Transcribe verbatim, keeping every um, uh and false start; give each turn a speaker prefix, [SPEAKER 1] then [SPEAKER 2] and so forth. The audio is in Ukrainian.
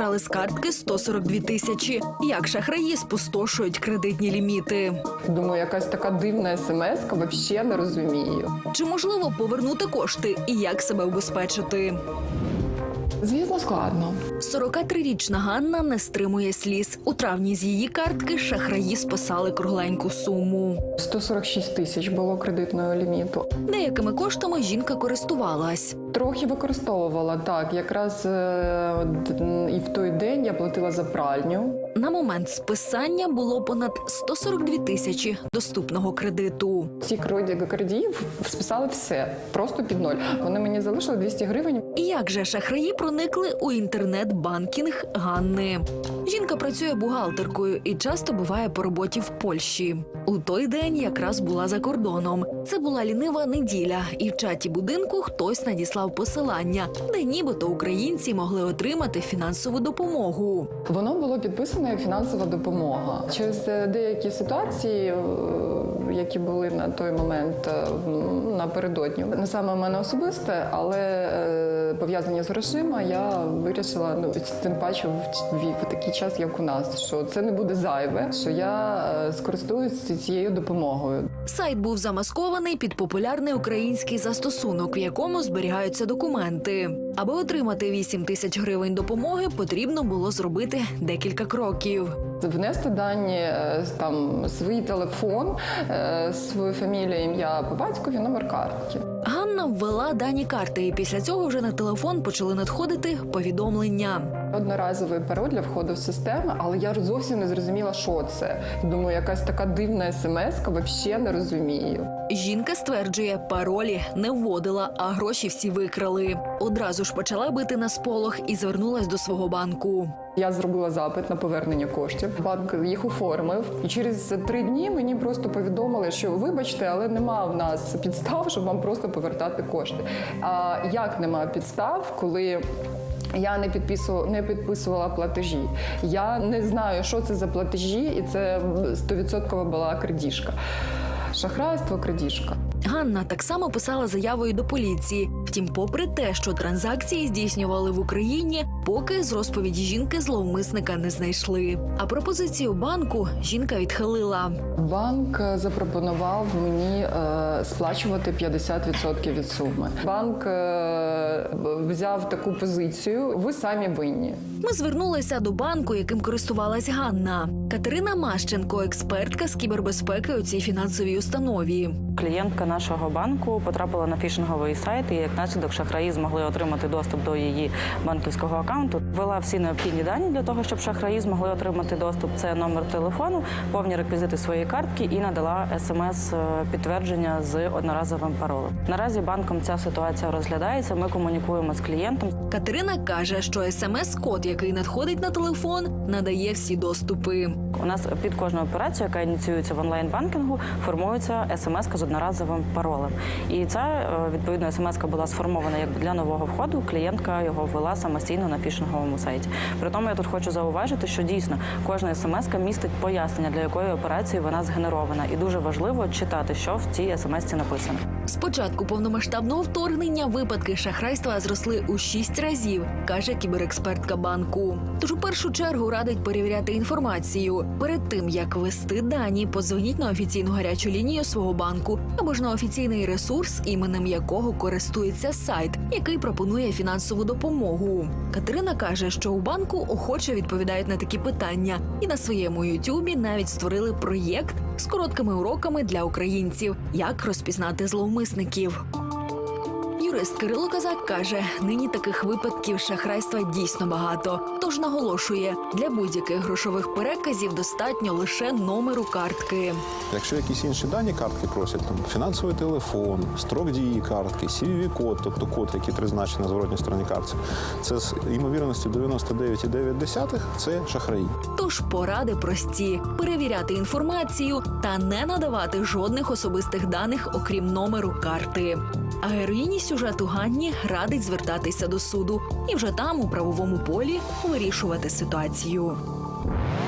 [SPEAKER 1] вкрали з картки сто сорок дві тисячі. Як шахраї спустошують кредитні ліміти?
[SPEAKER 2] Думаю, якась така дивна смс-ка, взагалі не розумію.
[SPEAKER 1] Чи можливо повернути кошти і як себе убезпечити?
[SPEAKER 2] Звісно, складно.
[SPEAKER 1] сорокатрирічна Ганна не стримує сліз. У травні з її картки шахраї списали кругленьку суму.
[SPEAKER 2] сто сорок шість тисяч було кредитного ліміту.
[SPEAKER 1] Деякими коштами жінка користувалась.
[SPEAKER 2] Трохи використовувала, так. Якраз е- і в той день я платила за пральню.
[SPEAKER 1] На момент списання було понад сто сорок дві тисячі доступного кредиту.
[SPEAKER 2] Ці кредитів списали все, просто під ноль. Вони мені залишили двісті гривень.
[SPEAKER 1] І як же шахраї проникли у інтернет-банкінг Ганни? Жінка працює бухгалтеркою і часто буває по роботі в Польщі. У той день якраз була за кордоном. Це була лінива неділя, і в чаті будинку хтось надіслав посилання, де нібито українці могли отримати фінансову допомогу.
[SPEAKER 2] Воно було підписано як фінансова допомога. Через деякі ситуації, які були на той момент напередодні, не саме в мене особисте, але пов'язані з грошима, я вирішила, ну, тим паче в, в такий час, як у нас, що це не буде зайве, що я скористуюся цією допомогою.
[SPEAKER 1] Сайт був замаскований під популярний український застосунок, в якому зберігаються документи. Аби отримати вісім тисяч гривень допомоги, потрібно було зробити декілька кроків.
[SPEAKER 2] Внести дані, там, свій телефон, свою фамілію, ім'я по батькові, номер картки.
[SPEAKER 1] Ганна ввела дані карти, і після цього вже на телефон почали надходити повідомлення.
[SPEAKER 2] Одноразовий пароль для входу в систему, але я зовсім не зрозуміла, що це. Думаю, якась така дивна смс-ка, взагалі не розумію.
[SPEAKER 1] Жінка стверджує, паролі не вводила, а гроші всі викрали. Одразу ж почала бити на сполох і звернулась до свого банку.
[SPEAKER 2] Я зробила запит на повернення коштів. Банк їх оформив. І через три дні мені просто повідомили, що вибачте, але нема в нас підстав, щоб вам просто повертати кошти. А як нема підстав, коли я не підписувала, не підписувала платежі? Я не знаю, що це за платежі, і це сто відсотків була крадіжка. Шахрайство, крадіжка.
[SPEAKER 1] Ганна так само писала заявою до поліції. Втім, попри те, що транзакції здійснювали в Україні, поки з розповіді жінки зловмисника не знайшли. А пропозицію банку жінка відхилила.
[SPEAKER 2] Банк запропонував мені е, сплачувати п'ятдесят відсотків від суми. Банк е, взяв таку позицію: ви самі винні.
[SPEAKER 1] Ми звернулися до банку, яким користувалась Ганна. Катерина Мащенко, експертка з кібербезпеки у цій фінансовій установі.
[SPEAKER 3] Клієнтка нашого банку потрапила на фішинговий сайт, і як наслідок шахраї змогли отримати доступ до її банківського акаунту. Ввела всі необхідні дані для того, щоб шахраї змогли отримати доступ. Це номер телефону, повні реквізити своєї картки і надала смс-підтвердження з одноразовим паролем. Наразі банком ця ситуація розглядається, ми комунікуємо з клієнтом.
[SPEAKER 1] Катерина каже, що смс-код, який надходить на телефон, надає всі доступи.
[SPEAKER 3] У нас під кожну операцію, яка ініціюється в онлайн-банкінгу, формується смс-ка з одноразовим паролем. І ця, відповідно, смс-ка була сформована як для нового входу, клієнтка його ввела самостійно на фішинговому сайті. При тому я тут хочу зауважити, що дійсно кожна смс-ка містить пояснення, для якої операції вона згенерована. І дуже важливо читати, що в цій смс-ці написано.
[SPEAKER 1] З початку повномасштабного вторгнення випадки шахрайства зросли у шість разів, каже кіберекспертка банку. Тож у першу чергу радить перевіряти інформацію. Перед тим, як ввести дані, подзвоніть на офіційну гарячу лінію свого банку або ж на офіційний ресурс, іменем якого користується сайт, який пропонує фінансову допомогу. Катерина каже, що у банку охоче відповідають на такі питання. І на своєму ютубі навіть створили проєкт з короткими уроками для українців, як розпізнати зловмисників. Юрист Кирило Казак каже, нині таких випадків шахрайства дійсно багато. Тож наголошує, для будь-яких грошових переказів достатньо лише номеру картки.
[SPEAKER 4] Якщо якісь інші дані картки просять, там, фінансовий телефон, строк дії картки, сі ві ві-код, тобто код, який призначений на зворотній стороні картки, це з ймовірністю дев'яносто дев'ять цілих дев'ять десятих – це шахраї.
[SPEAKER 1] Тож поради прості – перевіряти інформацію та не надавати жодних особистих даних, окрім номеру карти. А героїні сюжету Ганні радить звертатися до суду і вже там, у правовому полі, вирішувати ситуацію.